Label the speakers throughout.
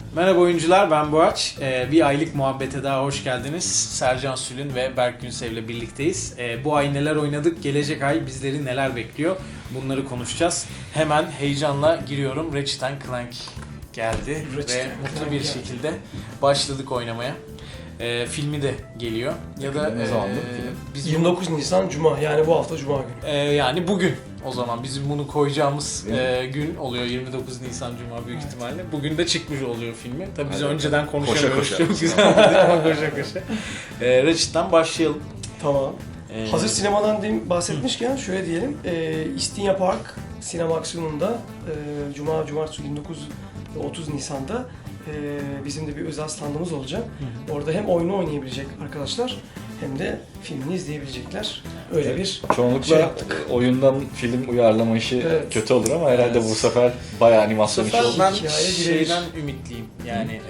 Speaker 1: Merhaba oyuncular, ben Boğaç. Bir aylık muhabbete daha hoş geldiniz. Sercan Sülün ve Berk Günsev'le birlikteyiz. Bu ay neler oynadık, gelecek ay bizleri neler bekliyor, bunları konuşacağız. Hemen heyecanla giriyorum. Ratchet Clank geldi ve mutlu bir şekilde başladık oynamaya. Filmi de geliyor. Ya da
Speaker 2: ne zamandı?
Speaker 1: biz
Speaker 3: 29 Nisan Cuma, yani bu hafta Cuma günü.
Speaker 1: yani bugün o zaman bizim bunu koyacağımız gün oluyor 29 Nisan Cuma büyük ihtimalle. Bugün de çıkmış oluyor filmi. Tabii biz önceden konuşamıyoruz.
Speaker 2: Koşa.
Speaker 1: Çok güzel ama koşa koşa. Ratchet'tan başlayalım.
Speaker 3: Tamam. Hazır sinemadan bahsetmişken şöyle diyelim. İstinye Park sinema aksiyonunda Cumartesi 29 ve 30 Nisan'da bizim de bir özel standımız olacak. Orada hem oyunu oynayabilecek arkadaşlar hem de filmini izleyebilecekler. Öyle bir
Speaker 2: çoğunlukla
Speaker 3: şey yaptık.
Speaker 2: oyundan film uyarlama işi kötü olur ama herhalde bu sefer bayağı animasyon işi olur.
Speaker 1: Ben
Speaker 3: Hikaye
Speaker 1: şeyden ümitliyim. Yani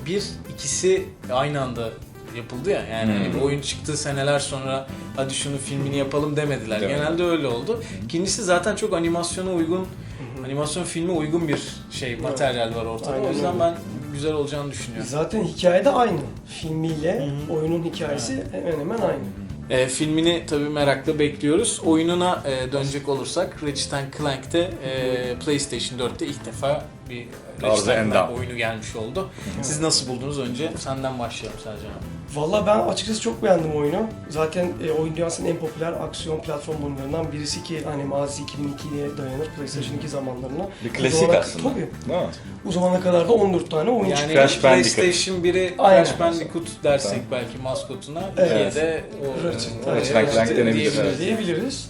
Speaker 1: ikisi aynı anda yapıldı ya. Yani hani oyun çıktığı seneler sonra hadi şunu filmini yapalım demediler.
Speaker 2: Evet.
Speaker 1: Genelde öyle oldu. İkincisi zaten çok animasyona uygun, animasyon filme uygun bir materyal var ortada.
Speaker 3: Aynen
Speaker 1: O yüzden
Speaker 3: öyle.
Speaker 1: ben güzel olacağını düşünüyorum.
Speaker 3: Zaten hikaye de aynı. Filmiyle oyunun hikayesi hemen hemen aynı.
Speaker 1: Filmini tabii merakla bekliyoruz. Oyununa dönecek olursak Ratchet Clank'te PlayStation 4'te ilk defa bir Ratchet Clank oyunu gelmiş oldu. Siz nasıl buldunuz? Önce senden başlayalım Sercan abi.
Speaker 3: Valla ben açıkçası çok beğendim oyunu. Zaten oyun dünyasının en popüler aksiyon platform oyunlarından birisi ki hani mazisi 2002'ye dayanır, PlayStation 2 zamanlarına.
Speaker 2: Bir klasik aslında.
Speaker 3: Tabii.
Speaker 2: Değil mi?
Speaker 3: O zamana kadar da 14 tane oyun
Speaker 1: Yani
Speaker 3: çıktı.
Speaker 2: Crash Bandicoot.
Speaker 1: PlayStation 1'e
Speaker 3: Aynen.
Speaker 1: Crash Bandicoot dersek belki maskotuna,
Speaker 3: Evet.
Speaker 1: 2'ye de o
Speaker 2: Ratchet Clank denebilir.
Speaker 3: Diyebiliriz.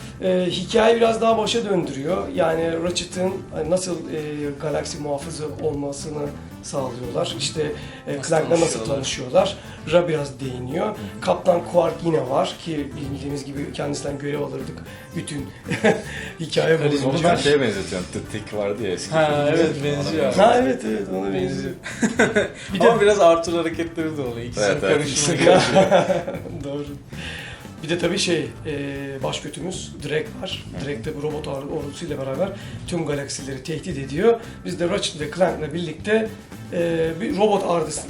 Speaker 3: Hikaye biraz daha başa döndürüyor. Yani Ratchet'ın nasıl galaksi muhafızı olmasını sağlıyorlar. İşte Clank'la nasıl tanışıyorlar. Ra biraz değiniyor. Kaptan Quark yine var ki bildiğimiz gibi kendisinden görev alırdık. Bütün hikaye
Speaker 2: Onu
Speaker 3: boyunca.
Speaker 2: ben şeye benzetiyorum. The Tick vardı ya eski.
Speaker 1: Ha
Speaker 2: film.
Speaker 1: evet benziyor.
Speaker 3: Ha evet ona benziyor. Bir
Speaker 1: Ama biraz Arthur hareketleri de oluyor. İkisinin
Speaker 2: Evet,
Speaker 1: karışımı.
Speaker 3: Doğru. Bir de tabii başkötümüz Drake var. Drake de bu robot ordusuyla beraber tüm galaksileri tehdit ediyor. Biz de Ratchet ve Clank'la birlikte bir robot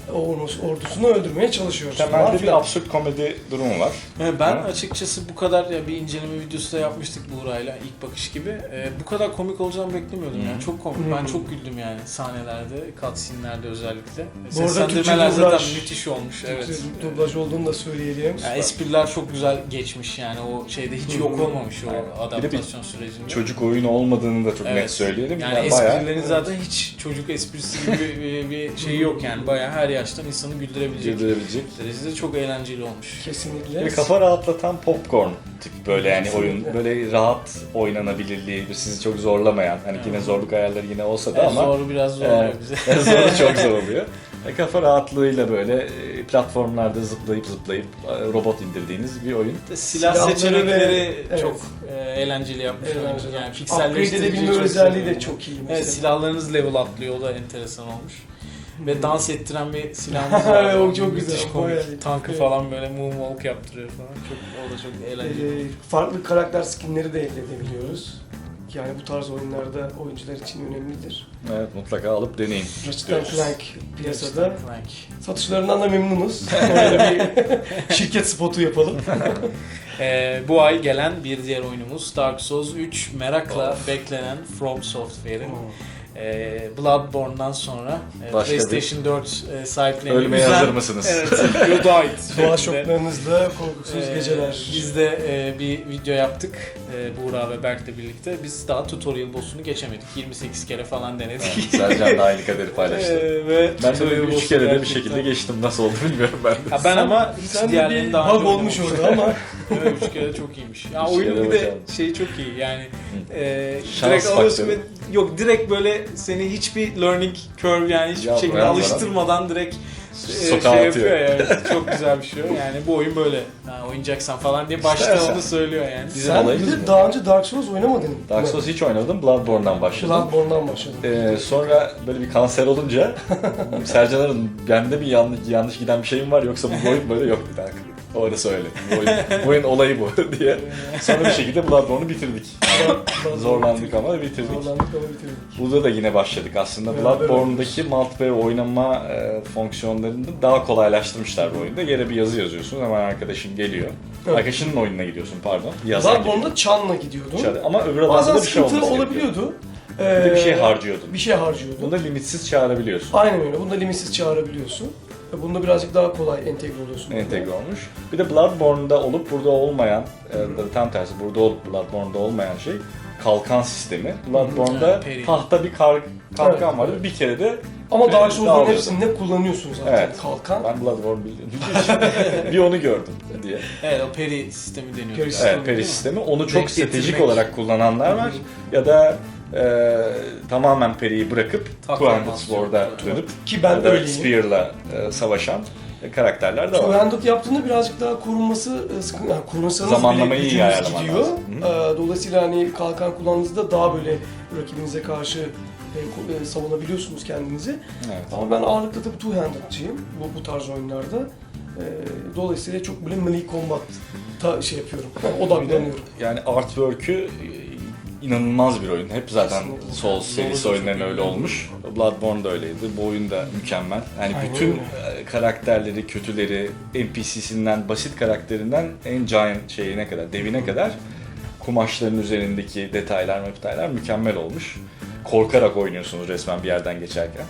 Speaker 3: ordusunu öldürmeye çalışıyoruz.
Speaker 2: Temelde bir absürt komedi durumu var.
Speaker 1: Ben açıkçası bu kadar bir inceleme videosu da yapmıştık Buğra'yla ilk bakış gibi. Bu kadar komik olacağını beklemiyordum yani. Çok komik. Ben çok güldüm yani sahnelerde, cutscene'lerde özellikle.
Speaker 3: Bu arada
Speaker 1: Seslendirmeler
Speaker 3: Türkçe
Speaker 1: zaten
Speaker 3: dublaj-
Speaker 1: müthiş olmuş. Evet.
Speaker 3: Dublaj olduğunu da söyleyelim.
Speaker 1: Yani espriler çok güzel geçmiş yani o şeyde hiç yok olmamış o adaptasyon sürecinde.
Speaker 2: Çocuk oyunu olmadığını da çok net söyleyelim.
Speaker 1: Yani
Speaker 2: bayağı,
Speaker 1: esprilerin zaten hiç çocuk esprisi gibi bir şey yok yani. Bayağı her yaştan insanı güldürebilecek derecede çok eğlenceli olmuş.
Speaker 3: Kesinlikle.
Speaker 2: Bir kafa rahatlatan popcorn tip böyle yani oyun böyle rahat oynanabilirliği, sizi çok zorlamayan hani yine zorluk ayarları yine olsa da ama
Speaker 1: zoru biraz zorluyor bize.
Speaker 2: zoru çok zor oluyor. Kafa rahatlığıyla böyle platformlarda zıplayıp robot indirdiğiniz bir oyun.
Speaker 1: Silah
Speaker 3: Silahları
Speaker 1: seçenekleri
Speaker 3: ve-
Speaker 1: çok eğlenceli yapmışlar.
Speaker 3: Eğlenceli.
Speaker 1: Yani
Speaker 3: Upgrade
Speaker 1: pikselleştirici
Speaker 3: edebilme
Speaker 1: çok
Speaker 3: özelliği
Speaker 1: seviyorum.
Speaker 3: de çok iyi mesela.
Speaker 1: Evet, silahlarınız level atlıyor, o da enteresan olmuş. Ve dans ettiren bir silahımız var.
Speaker 3: O çok
Speaker 1: Müthiş
Speaker 3: güzel,
Speaker 1: komik.
Speaker 3: bayağı iyi.
Speaker 1: Tankı
Speaker 3: Evet.
Speaker 1: falan böyle moonwalk yaptırıyor falan. O da çok eğlenceli.
Speaker 3: Farklı karakter skinleri de elde edebiliyoruz. Yani bu tarz oyunlarda oyuncular için önemlidir.
Speaker 2: Evet mutlaka alıp deneyin.
Speaker 3: Ratchet Clank piyasada.
Speaker 1: Clank.
Speaker 3: Satışlarından da memnunuz. Öyle bir şirket spotu yapalım.
Speaker 1: Bu ay gelen bir diğer oyunumuz Dark Souls 3. Merakla beklenen From Software'in Bloodborne'dan sonra
Speaker 2: Başka
Speaker 1: PlayStation 4 sahiplerine
Speaker 2: Ölmeye hazır mısınız?
Speaker 1: Evet, You Died.
Speaker 3: Doğa
Speaker 1: şeklinde.
Speaker 3: şoklarınızla korkusuz geceler.
Speaker 1: Biz de bir video yaptık Buğra ve Berk'le birlikte. Biz daha tutorial boss'unu geçemedik. 28 kere falan denedik.
Speaker 2: Sercan da aynı kaderi paylaştı.
Speaker 1: Ve
Speaker 2: Ben
Speaker 1: tutorial
Speaker 2: de 3
Speaker 1: boss'u
Speaker 2: kere de bir
Speaker 1: gerçekten-
Speaker 2: şekilde geçtim. Nasıl oldu bilmiyorum ben de.
Speaker 1: Ha, ben ama hiç
Speaker 3: Sen de
Speaker 1: diğerlerini
Speaker 3: bir
Speaker 1: daha önce
Speaker 3: bug olmuş
Speaker 1: oynamamıştım.
Speaker 3: orada ama
Speaker 1: Evet, 3 kere çok iyiymiş. Ya
Speaker 2: Üç
Speaker 1: oyunun
Speaker 2: kere
Speaker 1: bir de
Speaker 2: bakalım.
Speaker 1: şeyi çok iyi yani
Speaker 2: Şans
Speaker 1: direkt alıyorsun
Speaker 2: faktörü.
Speaker 1: ve yok direkt böyle seni hiçbir learning curve yani hiçbir
Speaker 2: Ya,
Speaker 1: şekilde
Speaker 2: bravo.
Speaker 1: alıştırmadan direkt
Speaker 2: Sokağa
Speaker 1: şey
Speaker 2: atıyor.
Speaker 1: yapıyor yani. Çok güzel bir şey o. Yani bu oyun böyle. Ha, oynayacaksan falan diye başta
Speaker 2: İstersen.
Speaker 1: onu söylüyor yani.
Speaker 2: Bizim
Speaker 3: sen bir
Speaker 2: olayımız
Speaker 3: de
Speaker 2: bu.
Speaker 3: daha önce Dark Souls oynamadın.
Speaker 2: Dark Souls hiç oynamadım. Bloodborne'dan başladım.
Speaker 3: Bloodborne'dan başladın.
Speaker 2: Sonra böyle bir kanser olunca Sercan'ın bende bir yanlış giden bir şeyim var yoksa bu oyun böyle yok bir daha. O arada söyledim. Bu oyun olayı bu diye. Sonra bir şekilde Bloodborne'u bitirdik. Zorlandık ama bitirdik. Burada da yine başladık aslında. Bloodborne'daki multiplayer oynama fonksiyonlarını daha kolaylaştırmışlar bu oyunda. Yere bir yazı yazıyorsun, hemen arkadaşın geliyor.
Speaker 3: Evet.
Speaker 2: Arkadaşının oyununa gidiyorsun pardon. Yazan
Speaker 3: Bloodborne'da çanla gidiyordun.
Speaker 2: ama öbür
Speaker 3: Bazen
Speaker 2: adamda da bir şey
Speaker 3: sıkıntı
Speaker 2: olması
Speaker 3: olabiliyordu.
Speaker 2: Bir de bir şey harcıyordun.
Speaker 3: Bir şey harcıyordun.
Speaker 2: Bunda limitsiz çağırabiliyorsun.
Speaker 3: Aynen öyle. Bunda limitsiz çağırabiliyorsun. Bunda birazcık daha kolay entegre oluyorsun.
Speaker 2: Entegre olmuş. Bir de Bloodborne'da olup burada olmayan, tam tersi burada olup Bloodborne'da olmayan şey kalkan sistemi. Bloodborne'da
Speaker 1: Peri.
Speaker 2: tahta bir kalkan
Speaker 3: Evet,
Speaker 2: vardı.
Speaker 3: evet.
Speaker 2: Bir kere de
Speaker 3: Ama Dark Souls'ların
Speaker 2: dağılıyorsun.
Speaker 3: hepsinde kullanıyorsun zaten
Speaker 2: Evet.
Speaker 3: kalkan.
Speaker 2: Ben Bloodborne biliyorum. Bir onu gördüm diye.
Speaker 1: Evet, o peri sistemi deniyor.
Speaker 3: Peri sistemi.
Speaker 2: Evet, peri sistemi. Onu çok
Speaker 1: Bekletilmek.
Speaker 2: stratejik olarak kullananlar var. Ya da tamamen periyi bırakıp
Speaker 1: Taklanmaz.
Speaker 2: Two-Handed Sword'a dönüp
Speaker 3: Ki ben
Speaker 2: ya da
Speaker 3: öyleyim.
Speaker 2: Spear'la savaşan karakterler de var.
Speaker 3: Two-handed yaptığında birazcık daha korunması sıkıntı. Yani korunsanız
Speaker 2: Zamanlamayı iyi
Speaker 3: bile gücünüz
Speaker 2: ayarlaman
Speaker 3: gidiyor.
Speaker 2: lazım.
Speaker 3: Dolayısıyla hani kalkan kullandığınızda daha böyle rakibinize karşı savunabiliyorsunuz kendinizi.
Speaker 2: Evet.
Speaker 3: Ama ben ağırlıklı tabii two-handed'cıyım bu tarz oyunlarda. Dolayısıyla çok böyle melee combat şey yapıyorum. Odaklanıyorum.
Speaker 2: Yani artwork'ü inanılmaz bir oyun. Hep zaten
Speaker 3: Kesinlikle.
Speaker 2: Souls serisi
Speaker 1: Doğru,
Speaker 2: oyunlarının
Speaker 1: çok
Speaker 2: öyle
Speaker 1: iyi.
Speaker 2: olmuş. Bloodborne da öyleydi. Bu oyun da mükemmel. Yani
Speaker 3: Aynen
Speaker 2: bütün
Speaker 3: öyle.
Speaker 2: karakterleri, kötüleri, NPC'sinden, basit karakterinden en giant şeyine kadar, devine kadar kumaşların üzerindeki detaylar mükemmel olmuş. Korkarak oynuyorsunuz resmen bir yerden geçerken.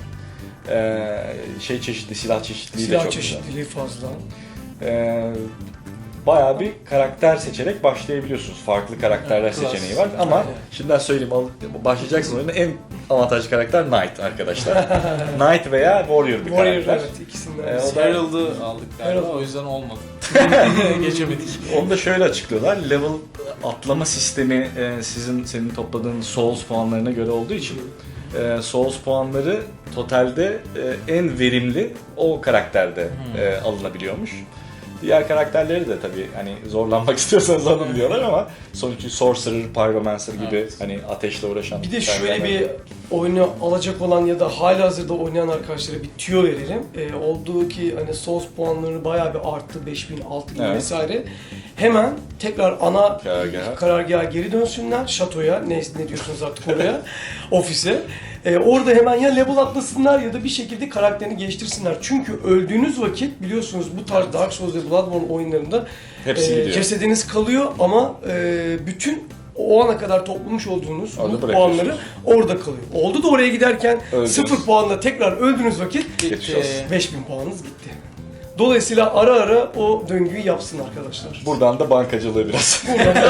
Speaker 2: Silah çeşitliliği de
Speaker 3: Silah
Speaker 2: çok
Speaker 3: çeşitliliği fazla.
Speaker 2: güzel. Bayağı bir karakter seçerek başlayabiliyorsunuz. Farklı karakterler
Speaker 1: Evet, klas.
Speaker 2: seçeneği var ama
Speaker 3: Aynen.
Speaker 2: şimdiden söyleyeyim, başlayacaksınız oyuna, en avantajlı karakter Knight arkadaşlar. Knight veya Warrior bir
Speaker 3: Warrior
Speaker 2: karakter.
Speaker 3: evet ikisinden.
Speaker 2: O
Speaker 3: birisi.
Speaker 2: da-
Speaker 1: Herald'ı aldık galiba,
Speaker 3: Herald.
Speaker 1: o yüzden olmadı. Geçemedik.
Speaker 2: Onu da şöyle açıklıyorlar. Level atlama sistemi senin topladığın Souls puanlarına göre olduğu için Souls puanları totalde en verimli o karakterde alınabiliyormuş. Diğer karakterleri de tabii hani zorlanmak istiyorsanız alın diyorlar ama sonuçta Sorcerer, Pyromancer gibi
Speaker 1: Evet.
Speaker 2: hani ateşle uğraşan
Speaker 3: Bir de şöyle
Speaker 2: karakterler.
Speaker 3: bir oyunu alacak olan ya da halihazırda oynayan arkadaşlara bir tüyo verelim. Olduğu ki hani Souls puanları bayağı bir arttı, 5000, 6000
Speaker 2: Evet.
Speaker 3: vesaire. Hemen tekrar ana
Speaker 2: Karargaha.
Speaker 3: karargaha geri dönsünler, şatoya, ne diyorsunuz artık oraya, ofise. Orada hemen ya level atlasınlar ya da bir şekilde karakterini geliştirsinler. Çünkü öldüğünüz vakit biliyorsunuz bu tarz Dark Souls ve Bloodborne oyunlarında
Speaker 2: Hepsi gidiyor.
Speaker 3: cesediniz kalıyor ama bütün o ana kadar toplamış olduğunuz
Speaker 2: Orada
Speaker 3: bu
Speaker 2: bırakıyorsunuz.
Speaker 3: puanları orada kalıyor. Oldu da oraya giderken
Speaker 2: Öldünüz.
Speaker 3: 0 puanla tekrar öldüğünüz vakit
Speaker 2: Geçmiş olsun.
Speaker 3: 5000 puanınız gitti. Dolayısıyla ara ara o döngüyü yapsın arkadaşlar.
Speaker 2: Buradan da bankacılığı biraz.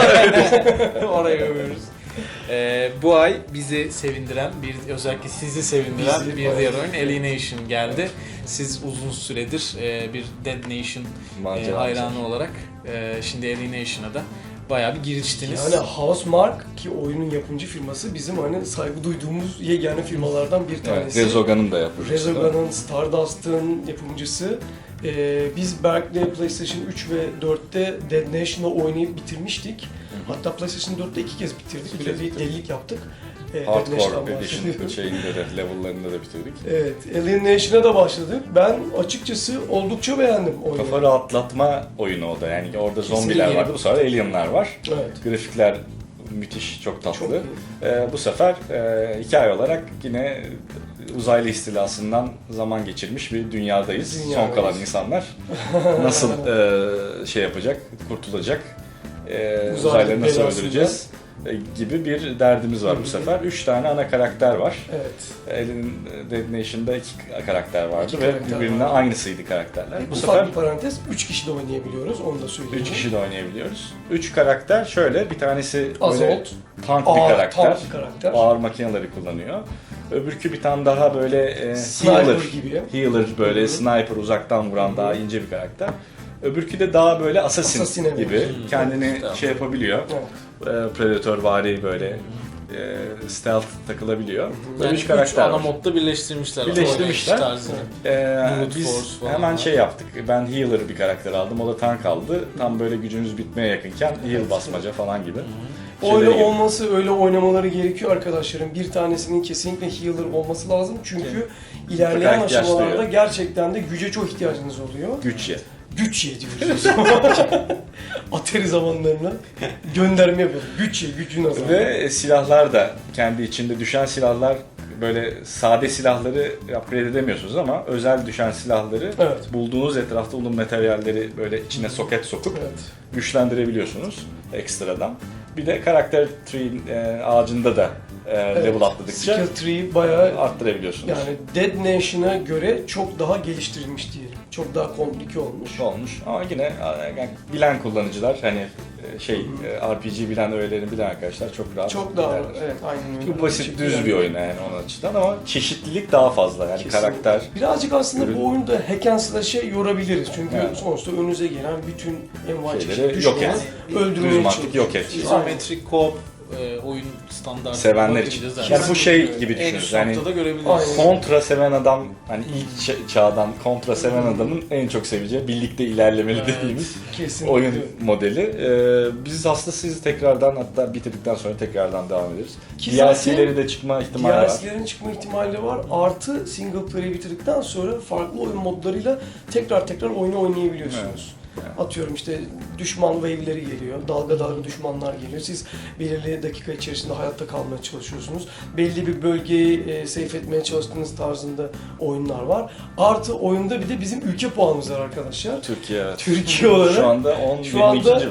Speaker 1: Oraya övüyoruz. Bu ay bizi sevindiren, özellikle sizi sevindiren
Speaker 3: Bizi
Speaker 1: bir diğer oyun Alienation geldi. Siz uzun süredir bir Dead Nation
Speaker 2: Macera
Speaker 1: hayranı olarak şimdi Alienation'a da bayağı bir giriştiniz.
Speaker 3: Yani Housemarque ki oyunun yapımcı firması bizim hani saygı duyduğumuz yegane firmalardan bir
Speaker 2: Evet,
Speaker 3: tanesi.
Speaker 2: Rezogan'ın da yapıcısı.
Speaker 3: Rezogan'ın, Stardust'ın yapımcısı. Biz Berkeley PlayStation 3 ve 4'te Dead Nation'ı oynayıp bitirmiştik. Hatta PlayStation 4'te 2 kez bitirdik.
Speaker 2: İki
Speaker 3: Böyle
Speaker 2: kez
Speaker 3: bir
Speaker 2: bitirdik.
Speaker 3: delilik yaptık. Dead Nation'dan
Speaker 2: Hardcore Edition
Speaker 3: bahsediyorum.
Speaker 2: şeyinde de, level'larında da bitirdik.
Speaker 3: Evet, Alien Nation'a da başladık. Ben açıkçası oldukça beğendim oyunu.
Speaker 2: Kafa rahatlatma oyunu o da. Yani orada zombiler
Speaker 3: Kesinlikle.
Speaker 2: vardı, bu sefer alienlar var.
Speaker 3: Evet.
Speaker 2: Grafikler müthiş, çok tatlı.
Speaker 3: Çok iyi.
Speaker 2: Bu sefer hikaye olarak yine uzaylı istilasından zaman geçirmiş bir dünyadayız. Son
Speaker 3: Dünyadayız.
Speaker 2: kalan insanlar nasıl şey yapacak, kurtulacak, uzaylıları nasıl
Speaker 3: belasından.
Speaker 2: öldüreceğiz gibi bir derdimiz var bu sefer. 3 tane ana karakter var.
Speaker 3: Evet.
Speaker 2: Alien Dead Nation'da 2 karakter vardı
Speaker 3: İki
Speaker 2: ve
Speaker 3: karakter
Speaker 2: birbirine
Speaker 3: var.
Speaker 2: aynısıydı karakterler. Bu
Speaker 3: Ufak
Speaker 2: sefer
Speaker 3: bir parantez, 3 kişi de oynayabiliyoruz, onu da söyleyeyim.
Speaker 2: 3 kişi de oynayabiliyoruz. 3 karakter şöyle, bir tanesi böyle
Speaker 3: Azolt,
Speaker 2: tank bir karakter.
Speaker 3: tank bir karakter.
Speaker 2: Ağır makineleri kullanıyor. Öbürkü bir tane daha böyle
Speaker 3: Sniper
Speaker 2: healer
Speaker 3: gibi.
Speaker 2: Healer böyle
Speaker 3: Hı hı.
Speaker 2: sniper uzaktan vuran daha ince bir karakter. Öbürkü de daha böyle assassin
Speaker 3: Assassin'e
Speaker 2: gibi
Speaker 3: benziyor.
Speaker 2: kendini
Speaker 1: Tamam.
Speaker 2: şey yapabiliyor.
Speaker 3: Evet.
Speaker 2: Predator vari böyle stealth takılabiliyor. Böyle
Speaker 1: Yani
Speaker 2: 3
Speaker 1: üç
Speaker 2: karakter
Speaker 1: ana
Speaker 2: var.
Speaker 1: modda birleştirmişler.
Speaker 2: Birleştirmişler.
Speaker 1: Oynayış tarzını. Brute
Speaker 2: Biz
Speaker 1: Force falan
Speaker 2: hemen
Speaker 1: var.
Speaker 2: şey yaptık. Ben healer bir karakter aldım. O da tank aldı. Tam böyle gücünüz bitmeye yakınken heal basmaca falan gibi.
Speaker 3: Öyle
Speaker 2: şeyleri gibi.
Speaker 3: olması, öyle oynamaları gerekiyor arkadaşlarım. Bir tanesinin kesinlikle healer olması lazım. Çünkü ilerleyen
Speaker 2: ihtiyaç
Speaker 3: aşamalarda
Speaker 2: duyuyor.
Speaker 3: gerçekten de güce çok ihtiyacınız oluyor.
Speaker 2: Güç ye.
Speaker 3: bütçe diyoruz o zaman. Atari zamanlarına gönderme yapıyorduk. Gücün azaldı.
Speaker 2: Ve silahlar da kendi içinde düşen silahlar, böyle sade silahları upgrade edemiyorsunuz ama özel düşen silahları
Speaker 3: Evet.
Speaker 2: bulduğunuz etrafta bulunan materyalleri böyle içine soket sokup
Speaker 3: Evet.
Speaker 2: güçlendirebiliyorsunuz ekstradan. Bir de karakter tree ağacında da level atladıkça
Speaker 3: Skill tree bayağı
Speaker 2: arttırabiliyorsunuz.
Speaker 3: yani Dead Nation'a göre çok daha geliştirilmiş diyelim. Çok daha komplike olmuş.
Speaker 2: Olmuş ama yine yani bilen kullanıcılar hani RPG bilen öğelerini bilen arkadaşlar çok rahat
Speaker 3: Çok daha
Speaker 2: ilerler.
Speaker 3: evet aynen öyle.
Speaker 2: Çünkü basit
Speaker 3: Çok
Speaker 2: düz
Speaker 3: güzel.
Speaker 2: bir oyun yani onun açıdan ama çeşitlilik daha fazla yani
Speaker 3: Kesinlikle.
Speaker 2: karakter.
Speaker 3: Birazcık aslında
Speaker 2: ürün-
Speaker 3: bu oyunda hack and slash'e yorabiliriz. Çünkü
Speaker 2: Evet.
Speaker 3: sonuçta önünüze gelen bütün envai
Speaker 2: Şeyleri
Speaker 3: çeşit
Speaker 2: yok
Speaker 3: düşmanı
Speaker 2: et.
Speaker 3: öldürmeye
Speaker 2: Düz mantık yok et.
Speaker 3: Aynen.
Speaker 1: İzometrik co-op oyun standartı.
Speaker 2: Sevenler için.
Speaker 1: Zaten.
Speaker 2: Yani bu şey
Speaker 3: Kesinlikle.
Speaker 2: gibi
Speaker 1: En
Speaker 2: düşünün.
Speaker 1: üst
Speaker 2: Yani
Speaker 1: noktada görebiliriz.
Speaker 3: Aynen.
Speaker 2: kontra seven adam hani ilk çağdan kontra seven adamın en çok seveceği birlikte ilerlemeli
Speaker 1: Evet.
Speaker 2: dediğimiz
Speaker 3: Kesinlikle.
Speaker 2: oyun modeli. Biz aslında sizi tekrardan hatta bitirdikten sonra tekrardan devam ederiz.
Speaker 3: Ki
Speaker 2: DLC'leri de çıkma ihtimali var.
Speaker 3: DLC'lerin çıkma ihtimali var. Artı single play'i bitirdikten sonra farklı oyun modlarıyla tekrar oyunu oynayabiliyorsunuz. Atıyorum işte düşman wave'leri geliyor, dalga dalga düşmanlar geliyor. Siz belirli dakika içerisinde hayatta kalmaya çalışıyorsunuz. Belli bir bölgeyi safe etmeye çalıştığınız tarzında oyunlar var. Artı oyunda bir de bizim ülke puanımız var arkadaşlar.
Speaker 2: Türkiye evet.
Speaker 3: Türkiye olarak
Speaker 2: Şu anda 10,
Speaker 3: şu
Speaker 2: 22.
Speaker 3: anda
Speaker 2: mi?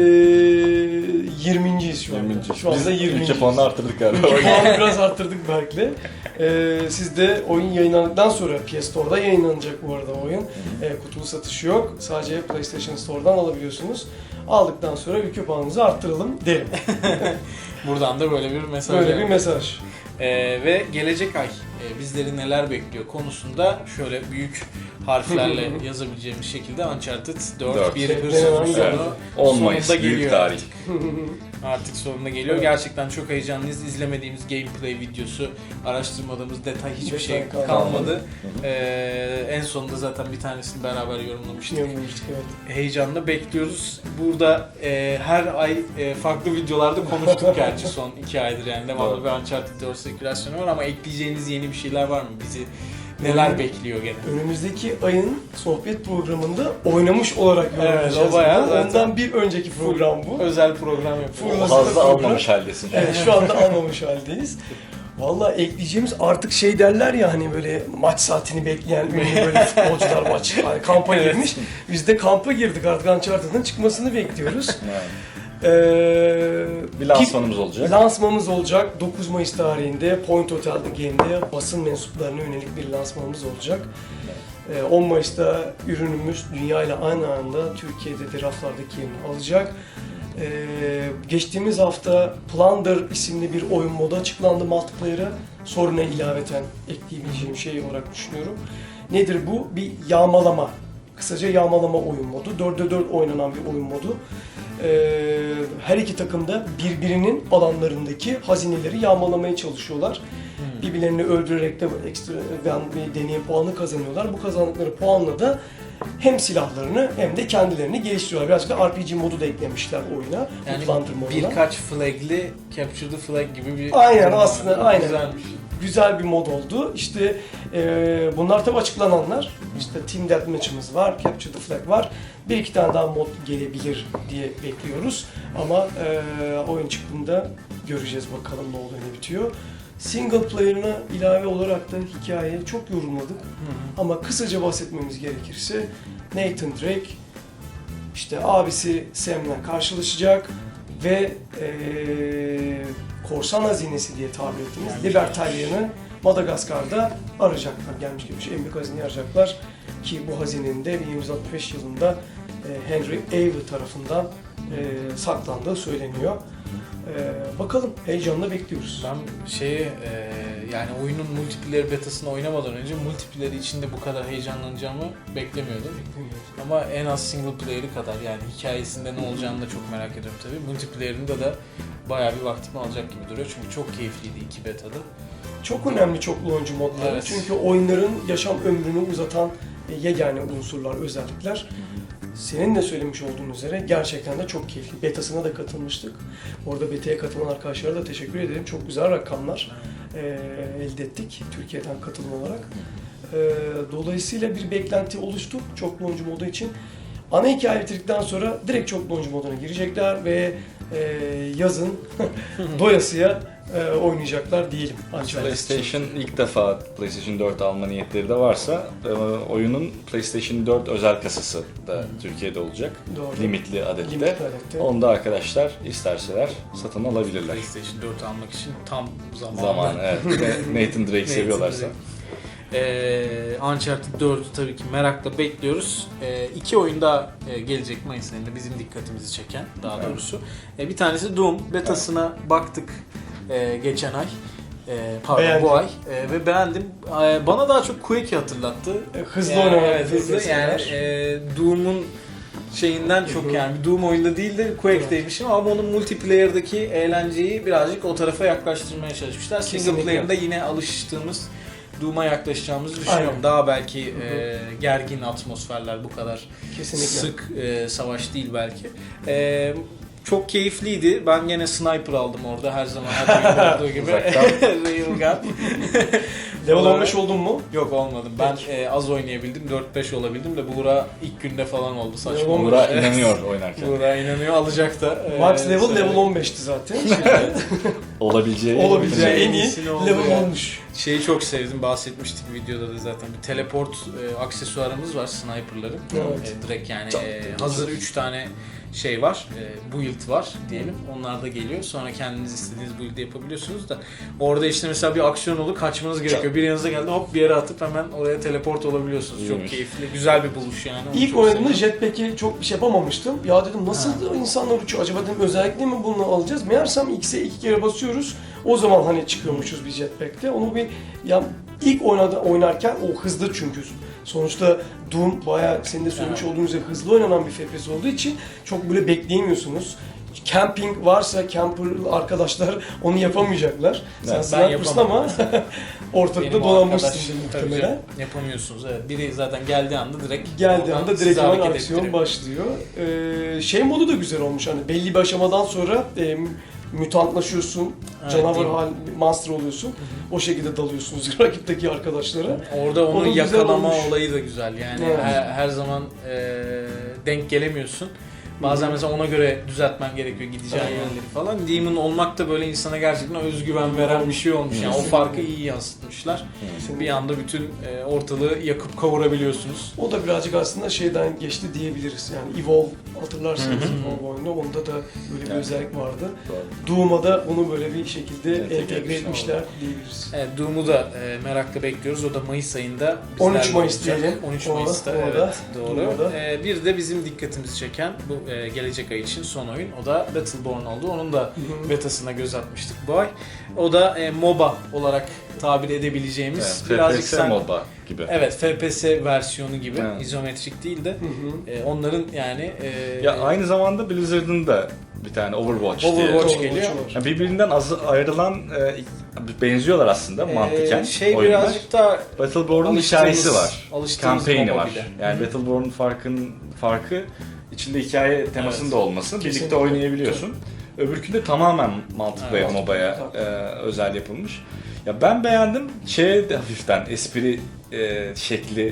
Speaker 3: 20.yiz şu anda.
Speaker 2: 20.
Speaker 3: Şu anda
Speaker 2: Biz
Speaker 3: 20.
Speaker 2: ülke puanını arttırdık galiba.
Speaker 3: Ülke puanını biraz arttırdık Berk'le. Siz de oyun yayınlandıktan sonra PS Store'da yayınlanacak bu arada oyun. Kutulu satışı yok. Sadece PlayStation Store'dan alabiliyorsunuz. Aldıktan sonra ülke puanımızı arttıralım derim.
Speaker 1: Buradan da böyle bir mesaj.
Speaker 3: Böyle bir
Speaker 1: verelim.
Speaker 3: mesaj.
Speaker 1: Ve gelecek ay bizleri neler bekliyor konusunda şöyle büyük harflerle yazabileceğimiz şekilde Uncharted 4
Speaker 2: 4.
Speaker 1: bir
Speaker 3: Evet.
Speaker 1: hırsızın
Speaker 3: Evet.
Speaker 1: sonu
Speaker 2: 10 Mayıs
Speaker 1: sonunda
Speaker 2: büyük
Speaker 1: geliyor.
Speaker 2: tarih.
Speaker 1: Artık sonuna geliyor.
Speaker 3: Evet.
Speaker 1: Gerçekten çok heyecanlıyız. İzlemediğimiz gameplay videosu, araştırmadığımız detay hiçbir şey
Speaker 3: Detay
Speaker 1: kalmadı.
Speaker 3: kalmadı.
Speaker 1: En sonunda zaten bir tanesini beraber yorumlamıştık.
Speaker 3: Yanılmıştık evet.
Speaker 1: Heyecanla bekliyoruz. Burada her ay farklı videolarda konuştuk gerçi son 2 aydır yani devamlı bir Uncharted 4 sirkülasyonu var ama ekleyeceğiniz yeni bir şeyler var mı? Bizi neler bekliyor gene?
Speaker 3: Önümüzdeki ayın sohbet programında oynamış olarak
Speaker 1: Evet,
Speaker 3: yorumlayacağız.
Speaker 1: o bayağı
Speaker 3: bunu.
Speaker 1: zaten-
Speaker 3: Ondan bir önceki program bu.
Speaker 1: Özel program yapıyoruz.
Speaker 3: Full-
Speaker 2: Fazla almamış haldesin.
Speaker 3: Evet şu anda almamış haldeyiz. Vallahi ekleyeceğimiz artık şey derler ya hani böyle maç saatini bekleyen ünlü böyle futbolcular maç hani kampa
Speaker 1: Evet.
Speaker 3: girmiş. Biz de kampa girdik artık Uncharted'ın çıkmasını bekliyoruz.
Speaker 2: Bir lansmanımız olacak.
Speaker 3: Lansmanımız olacak 9 Mayıs tarihinde Point Hotel'de Game'de basın mensuplarına yönelik bir lansmanımız olacak. 10 Mayıs'ta ürünümüz dünya ile aynı anda Türkiye'de de raflardaki yerini alacak. Geçtiğimiz hafta Plunder isimli bir oyun modu açıklandı multiplayer'a. Soruna ilaveten ekleyebileceğim şey olarak düşünüyorum. Nedir bu? Bir yağmalama. Kısaca yağmalama oyun modu. 4'e 4 oynanan bir oyun modu. Her iki takım da birbirinin alanlarındaki hazineleri yağmalamaya çalışıyorlar. Birbirlerini öldürerek de ekstra bir deneyim puanı kazanıyorlar. Bu kazandıkları puanla da hem silahlarını hem de kendilerini geliştiriyorlar. Birazcık da RPG modu da eklemişler oyuna.
Speaker 1: Yani
Speaker 3: Plunder moduna.
Speaker 1: birkaç flagli Capture the Flag gibi bir
Speaker 3: Aynen,
Speaker 1: durum var.
Speaker 3: aslında, aynen.
Speaker 1: Güzelmiş.
Speaker 3: Güzel bir mod oldu. İşte bunlar tabi açıklananlar. İşte Team Deathmatch'ımız var, Capture the Flag var. Bir iki tane daha mod gelebilir diye bekliyoruz. Ama oyun çıktığında göreceğiz bakalım ne oluyor ne bitiyor. Single player'ına ilave olarak da hikayeyi çok yorumladık. Ama kısaca bahsetmemiz gerekirse Nathan Drake işte abisi Sam'le karşılaşacak ve korsan hazinesi diye tabir ettiğimiz Libertalia'nı Madagaskar'da arayacaklar. Gelmiş geçmiş en büyük hazineyi arayacaklar ki bu hazinenin de 1965 yılında Henry Avery tarafından saklandığı söyleniyor. Bakalım heyecanla bekliyoruz.
Speaker 1: Ben yani oyunun multiplayer betasını oynamadan önce multiplayer içinde bu kadar heyecanlanacağımı beklemiyordum. Ama en az single player'ı kadar yani hikayesinde ne olacağını da çok merak ediyorum tabii. Multiplayer'ında da bayağı bir vaktimi alacak gibi duruyor çünkü çok keyifliydi iki betada.
Speaker 3: Çok önemli çoklu oyuncu modları.
Speaker 1: Evet.
Speaker 3: Çünkü oyunların yaşam ömrünü uzatan yegane unsurlar, özellikler. Senin de söylemiş olduğun üzere gerçekten de çok keyifli. Betasına da katılmıştık. Orada beta'ya katılan arkadaşlara da teşekkür ederim. Çok güzel rakamlar elde ettik Türkiye'den katılım olarak. Dolayısıyla bir beklenti oluştu çoklu oyuncu modu için. Ana hikaye bitirdikten sonra direkt çoklu oyuncu moduna girecekler ve yazın doyasıya oynayacaklar diyelim.
Speaker 2: PlayStation ilk defa PlayStation 4 alma niyetleri de varsa oyunun PlayStation 4 özel kasası da Türkiye'de olacak.
Speaker 3: Doğru.
Speaker 2: Limitli adette.
Speaker 3: Limitli adette.
Speaker 2: Onu da arkadaşlar isterseler satın alabilirler.
Speaker 1: PlayStation 4 almak için tam zamanı.
Speaker 2: Zaman evet. Nathan Drake seviyorlarsa.
Speaker 1: Uncharted 4'ü tabii ki merakla bekliyoruz. 2 oyun daha gelecek Mayıs ayında bizim dikkatimizi çeken daha doğrusu. Bir tanesi Doom. Betasına baktık geçen ay. Pardon
Speaker 3: Beğendim.
Speaker 1: bu ay. Ve beğendim. Bana daha çok Quake'i hatırlattı.
Speaker 3: Hızlı oynanan
Speaker 1: evet, hızlı
Speaker 3: FPS
Speaker 1: yani
Speaker 3: var.
Speaker 1: Doom'un şeyinden çok yani Doom oyunda değil de Quake'deymişim ama onun multiplayer'daki eğlenceyi birazcık o tarafa yaklaştırmaya çalışmışlar. Single
Speaker 3: Kesinlikle.
Speaker 1: player'da yine alıştığımız Doom'a yaklaşacağımızı düşünüyorum.
Speaker 3: Aynen.
Speaker 1: Daha belki gergin atmosferler, bu kadar
Speaker 3: Kesinlikle.
Speaker 1: sık savaş değil belki. Çok keyifliydi. Ben gene sniper aldım orada her zaman her oyunda olduğu gibi. Railgun.
Speaker 3: Level 15 oldun mu?
Speaker 1: Yok olmadım. Ben az oynayabildim. 4-5 olabildim de Buğra ilk günde falan oldu saçma.
Speaker 3: Level
Speaker 2: Buğra inanıyor oynarken.
Speaker 1: Buğra inanıyor. Alacak da.
Speaker 3: Max level
Speaker 1: söyleyeyim.
Speaker 3: level 15'ti zaten.
Speaker 2: Olabileceği
Speaker 3: Olabileceği en iyi
Speaker 1: iyisini oldu
Speaker 3: level
Speaker 1: yani.
Speaker 3: olmuş.
Speaker 1: Şeyi çok sevdim. Bahsetmiştik videoda da zaten. Bir teleport aksesuarımız var sniperların.
Speaker 3: Evet.
Speaker 1: Direkt yani
Speaker 3: Çok
Speaker 1: hazır 3 tane şey var. Build var diyelim. Onlar da geliyor. Sonra kendiniz istediğiniz build'i yapabiliyorsunuz da orada işte mesela bir aksiyon olur. Kaçmanız gerekiyor. Bir yanınıza geldi hop bir yere atıp hemen oraya teleport olabiliyorsunuz. Çok
Speaker 2: İyiymiş.
Speaker 1: keyifli. Güzel bir buluş yani. Onu
Speaker 3: İlk
Speaker 1: çok
Speaker 3: oynadığımda
Speaker 1: sevdim.
Speaker 3: jetpack'i çok bir şey yapamamıştım. Ya dedim nasıl insanlar uçuyor? Acaba dedim özellikle mi bunu alacağız? Meğersem X'e 2 kere basıyoruz. O zaman hani çıkıyormuşuz bir jetpack'te. Onu bir ya ilk oynarken o hızlı çünkü. Sonuçta Doom bayağı senin de söylemiş olduğun üzere hızlı oynanan bir FPS olduğu için çok böyle bekleyemiyorsunuz. Camping varsa camper arkadaşlar onu yapamayacaklar. Sen
Speaker 2: Evet,
Speaker 3: sniper'sın ama ortalıkta
Speaker 1: Benim o
Speaker 3: dolanmışsın
Speaker 1: arkadaş, tabii
Speaker 3: muhtemelen.
Speaker 1: canım, yapamıyorsunuz. Evet. Biri zaten geldiği anda direkt
Speaker 3: Geldiği
Speaker 1: oradan
Speaker 3: anda direkt
Speaker 1: sizi
Speaker 3: hemen
Speaker 1: hareket
Speaker 3: aksiyon
Speaker 1: ettiriyor.
Speaker 3: başlıyor. Şey modu da güzel olmuş hani belli bir aşamadan sonra mutantlaşıyorsun,
Speaker 1: Evet,
Speaker 3: canavar
Speaker 1: değil mi?
Speaker 3: monster oluyorsun. O şekilde dalıyorsunuz rakipteki arkadaşlara.
Speaker 1: Orada onu
Speaker 3: Onun güzel
Speaker 1: yakalama
Speaker 3: olmuş.
Speaker 1: olayı da güzel. Yani
Speaker 3: Evet.
Speaker 1: her zaman denk gelemiyorsun. Bazen mesela ona göre düzeltmen gerekiyor gideceğin
Speaker 3: Aynen.
Speaker 1: yerleri falan. Demon olmak da böyle insana gerçekten özgüven veren bir şey olmuş. Yani o farkı iyi yansıtmışlar. Bir anda bütün ortalığı yakıp kavurabiliyorsunuz.
Speaker 3: O da birazcık aslında şeyden geçti diyebiliriz. Yani Evolve hatırlarsınız Evolve oyunu. Onda da böyle bir
Speaker 2: Evet.
Speaker 3: özellik vardı.
Speaker 2: Doğru.
Speaker 3: Doom'a da onu böyle bir şekilde
Speaker 2: Entegre
Speaker 3: entegre
Speaker 2: etmişler.
Speaker 3: etmişler diyebiliriz.
Speaker 1: Evet, Doom'u da merakla bekliyoruz. O da Mayıs ayında
Speaker 3: 13
Speaker 1: bizlerle
Speaker 3: Mayıs
Speaker 1: olacak.
Speaker 3: diyelim.
Speaker 1: 13
Speaker 3: Orada,
Speaker 1: Mayıs'ta
Speaker 3: orada.
Speaker 1: evet doğru.
Speaker 3: Doom'da.
Speaker 1: Bir de bizim dikkatimizi çeken bu gelecek ay için son oyun. O da Battleborn oldu. Onun da betasına göz atmıştık bu ay. O da MOBA olarak tabir edebileceğimiz
Speaker 2: Evet,
Speaker 1: birazcık
Speaker 2: FPS
Speaker 1: sen...
Speaker 2: MOBA gibi.
Speaker 1: Evet, FPS versiyonu gibi.
Speaker 2: Evet.
Speaker 1: İzometrik değil de
Speaker 3: Hı hı.
Speaker 1: onların yani
Speaker 2: Ya aynı zamanda Blizzard'ın da bir tane Overwatch diye.
Speaker 1: Overwatch
Speaker 3: Overwatch
Speaker 1: geliyor.
Speaker 3: var.
Speaker 2: Yani birbirinden ayrılan benziyorlar aslında mantıken
Speaker 1: şey
Speaker 2: oyunlar.
Speaker 1: birazcık daha
Speaker 2: Battleborn'un
Speaker 1: alıştığımız-
Speaker 2: hikayesi var.
Speaker 1: alıştığımız
Speaker 2: Campaign'i
Speaker 1: MOBA
Speaker 2: var.
Speaker 1: bir de.
Speaker 2: Yani Battleborn'un farkı içinde hikaye temasının da olması. Birlikte
Speaker 3: Kesinlikle.
Speaker 2: oynayabiliyorsun. Öbürkünde tamamen multiplayer
Speaker 1: Evet.
Speaker 2: MOBA'ya özel yapılmış. Ya ben beğendim. Şeye de hafiften espri şekli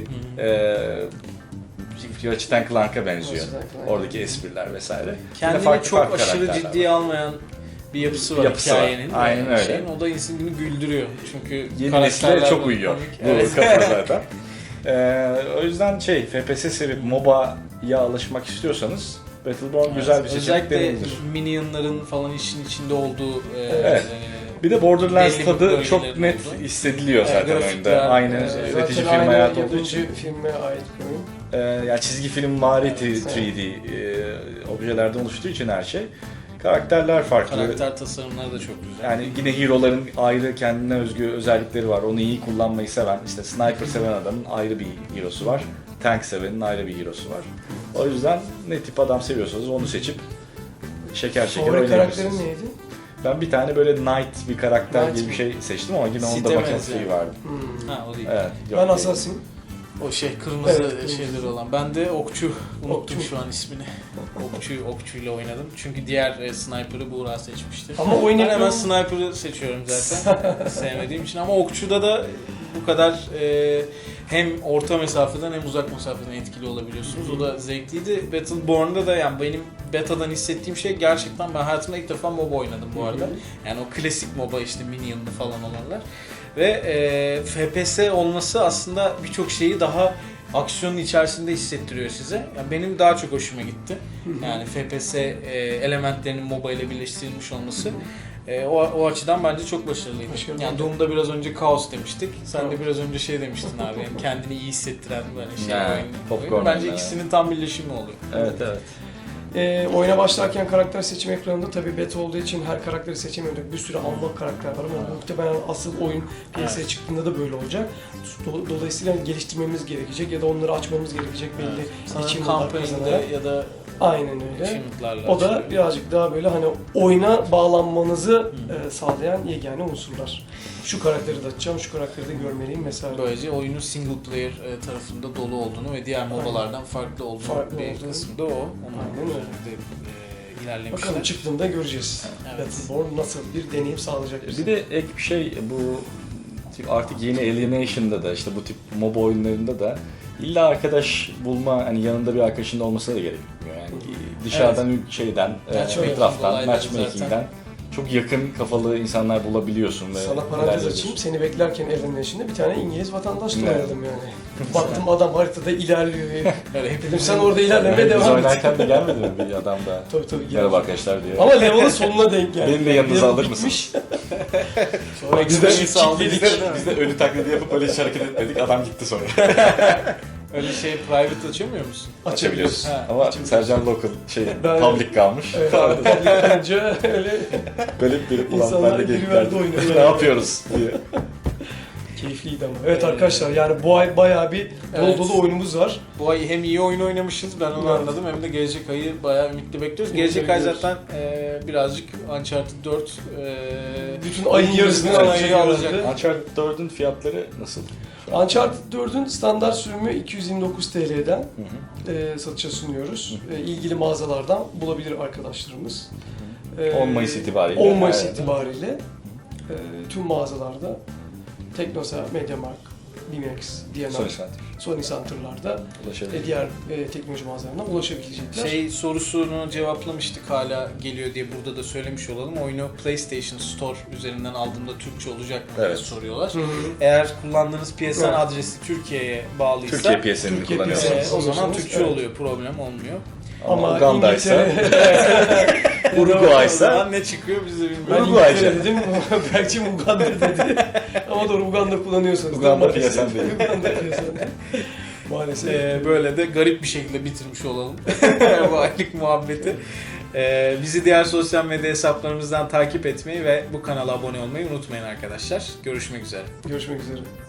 Speaker 2: Ratchet Clank'a benziyor.
Speaker 3: Ratchet Clank.
Speaker 2: Oradaki espriler vesaire. Bir de
Speaker 1: kendini
Speaker 2: farklı
Speaker 1: çok
Speaker 2: farklı
Speaker 1: aşırı
Speaker 2: karakterler
Speaker 1: ciddiye
Speaker 2: var.
Speaker 1: almayan bir yapısı var
Speaker 2: Yapısı var.
Speaker 1: hikayenin.
Speaker 2: Aynen öyle.
Speaker 1: Şeyin, o da insanı güldürüyor. Çünkü
Speaker 2: Yeni
Speaker 1: karakterler
Speaker 2: nesile çok
Speaker 1: de
Speaker 2: uyuyor
Speaker 1: komik.
Speaker 2: bu
Speaker 1: Evet.
Speaker 2: kafa zaten. O yüzden FPS sevip MOBA'ya alışmak istiyorsanız Battleborn güzel bir seçenek
Speaker 1: Özellikle
Speaker 2: denilebilir.
Speaker 1: Minyonların falan işin içinde olduğu
Speaker 2: Evet. Bir de Borderlands
Speaker 1: belli
Speaker 2: tadı
Speaker 1: bölgelerin
Speaker 2: çok net
Speaker 1: olduğu.
Speaker 2: hissediliyor zaten
Speaker 1: grafikler,
Speaker 2: oyunda. Aynı
Speaker 1: zaten
Speaker 2: üretici
Speaker 3: Zaten
Speaker 2: film
Speaker 3: aynı
Speaker 2: hayatı olduğu için.
Speaker 3: yapımcı filme ait bir oyun.
Speaker 2: Yani çizgi film vari
Speaker 3: Evet,
Speaker 2: 3D objelerden oluştuğu için her şey. Karakterler farklı.
Speaker 1: karakter tasarımları da çok güzel.
Speaker 2: Yani yine hero'ların ayrı kendine özgü özellikleri var. Onu iyi kullanmayı seven, işte sniper seven adamın ayrı bir hero'su var. Tank sevenin ayrı bir hero'su var. O yüzden ne tip adam seviyorsanız onu seçip şeker şeker
Speaker 3: Favori karakterin
Speaker 2: oynayabilirsiniz.
Speaker 3: neydi?
Speaker 2: Ben bir tane böyle knight bir karakter
Speaker 3: Knight
Speaker 2: gibi
Speaker 3: mi?
Speaker 2: bir şey seçtim ama yine onda
Speaker 1: Sitemez
Speaker 2: makinesi
Speaker 1: yani.
Speaker 2: vardı.
Speaker 1: Ha o değil.
Speaker 2: Evet.
Speaker 3: Ben
Speaker 2: yok.
Speaker 3: Assassin.
Speaker 1: O kırmızı
Speaker 3: Evet, kırmızı.
Speaker 1: şeyleri olan. Ben de okçu. Unuttum
Speaker 3: Okçu.
Speaker 1: şu an ismini. Okçuyla oynadım. Çünkü diğer sniper'ı Buğra seçmişti.
Speaker 3: Ama oynadığım-
Speaker 1: Ben hemen sniper'ı seçiyorum zaten. Sevmediğim için ama okçuda da bu kadar hem orta mesafeden hem uzak mesafeden etkili olabiliyorsunuz. O da zevkliydi. Battleborn'da da yani benim betadan hissettiğim şey gerçekten ben hayatımda ilk defa MOBA oynadım bu arada. Yani o klasik MOBA işte Minion'lu falan olanlar. Ve FPS olması aslında birçok şeyi daha aksiyonun içerisinde hissettiriyor size. Yani benim daha çok hoşuma gitti. Yani FPS elementlerinin MOBA ile birleştirilmiş olması. O açıdan bence çok başarılıydı. Yani Doom'da biraz önce kaos demiştik. Sen de biraz önce şey demiştin abi. Yani kendini iyi hissettiren böyle şey oyun. Bence ikisinin tam birleşimi oluyor.
Speaker 2: Evet evet.
Speaker 3: Oyuna başlarken karakter seçim ekranında tabii beta olduğu için her karakteri seçemiyorduk. Bir sürü almak karakter var ama muhtemelen asıl oyun PS'ye çıktığında da böyle olacak. Dolayısıyla geliştirmemiz gerekecek ya da onları açmamız gerekecek belli
Speaker 1: Sanırım
Speaker 3: kazanarak.
Speaker 1: ya da
Speaker 3: Aynen öyle.
Speaker 1: achievement'larla
Speaker 3: O da
Speaker 1: açılıyor.
Speaker 3: birazcık daha böyle hani oyuna bağlanmanızı sağlayan yegane unsurlar. Şu karakteri de açacağım, şu karakteri de görmeliyim vesaire.
Speaker 1: Böylece oyunun single player tarafında dolu olduğunu ve diğer MOBA'lardan farklı olduğunu bir kısmı da o. Onun üzerinde ilerlemişler.
Speaker 3: Bakalım çıktığında göreceğiz.
Speaker 1: Evet.
Speaker 3: Battleborn nasıl bir deneyim sağlayacak bize.
Speaker 2: Bir de ek bir şey, bu artık yeni Alienation'da da işte bu tip MOBA oyunlarında da illa arkadaş bulma, hani yanında bir arkadaşın da olmasına da gerekmiyor. Yani dışarıdan şeyden, etraftan, matchmaking'den çok yakın kafalı insanlar bulabiliyorsun ve
Speaker 3: sana parantez açayım, seni beklerken Alienation'da bir tane İngiliz vatandaşla oynadım yani. Baktım adam haritada ilerliyor. Dedim sen orada ilerlemeye devam et.
Speaker 2: Oynarken de gelmedi mi bir adam da?
Speaker 3: Tabii
Speaker 2: Merhaba arkadaşlar diyor.
Speaker 3: Ama level'ın sonuna denk geldi.
Speaker 2: Beni de yanınıza alır
Speaker 3: bitmiş.
Speaker 2: mısınız?
Speaker 1: Sonra
Speaker 2: Biz de
Speaker 1: kitledik.
Speaker 2: biz de ölü taklidi yapıp öyle hiç hareket etmedik. Adam gitti sonra.
Speaker 1: Öyle şey private açamıyor musun?
Speaker 2: Açabiliyorsun.
Speaker 1: Ha,
Speaker 2: Ama Sercan Local public kalmış.
Speaker 3: Evet, önce öyle
Speaker 2: Böyle bir
Speaker 3: İnsanlar
Speaker 2: ulan
Speaker 3: giriverdi oyuna.
Speaker 2: ne yapıyoruz diye.
Speaker 3: keyifliydi ama. Evet arkadaşlar yani bu ay bayağı bir dolu dolu oyunumuz var.
Speaker 1: Bu ay hem iyi oyun oynamışız ben onu anladım hem de gelecek ayı bayağı ümitli bekliyoruz. Gelecek ay zaten birazcık Uncharted 4
Speaker 3: Bütün ayın yarısını alacak.
Speaker 2: Uncharted 4'ün fiyatları nasıl?
Speaker 3: Uncharted 4'ün standart sürümü 229 TL'den satışa sunuyoruz. İlgili mağazalardan bulabilir arkadaşlarımız.
Speaker 2: 10 Mayıs itibariyle.
Speaker 3: 10 Mayıs itibariyle tüm mağazalarda Teknosa, MediaMarkt, BİMEX, DNR, Sony Center'larda diğer teknoloji mağazalarına ulaşabilecekler.
Speaker 1: Sorusunu cevaplamıştık, hala geliyor diye burada da söylemiş olalım. Oyunu PlayStation Store üzerinden aldığımda Türkçe olacak mı diye soruyorlar. Eğer kullandığınız PSN adresi Türkiye'ye bağlıysa
Speaker 2: Türkiye PSN'ini kullanıyorsanız.
Speaker 1: o zaman Türkçe oluyor, problem olmuyor.
Speaker 3: Ama
Speaker 2: Uganda'ysa,
Speaker 1: O
Speaker 2: Uruguay'sa
Speaker 1: zaman ne çıkıyor biz de bilmiyoruz.
Speaker 3: Ben
Speaker 2: Uruguayca.
Speaker 3: İngiltere dedim, belki Uganda dedi. Ama doğru Uganda kullanıyorsanız.
Speaker 2: Uganda PSN değil.
Speaker 3: Uganda PSN. Maalesef.
Speaker 1: Böyle de garip bir şekilde bitirmiş olalım bu aylık muhabbeti. Bizi diğer sosyal medya hesaplarımızdan takip etmeyi ve bu kanala abone olmayı unutmayın arkadaşlar. Görüşmek üzere.
Speaker 3: Görüşmek üzere.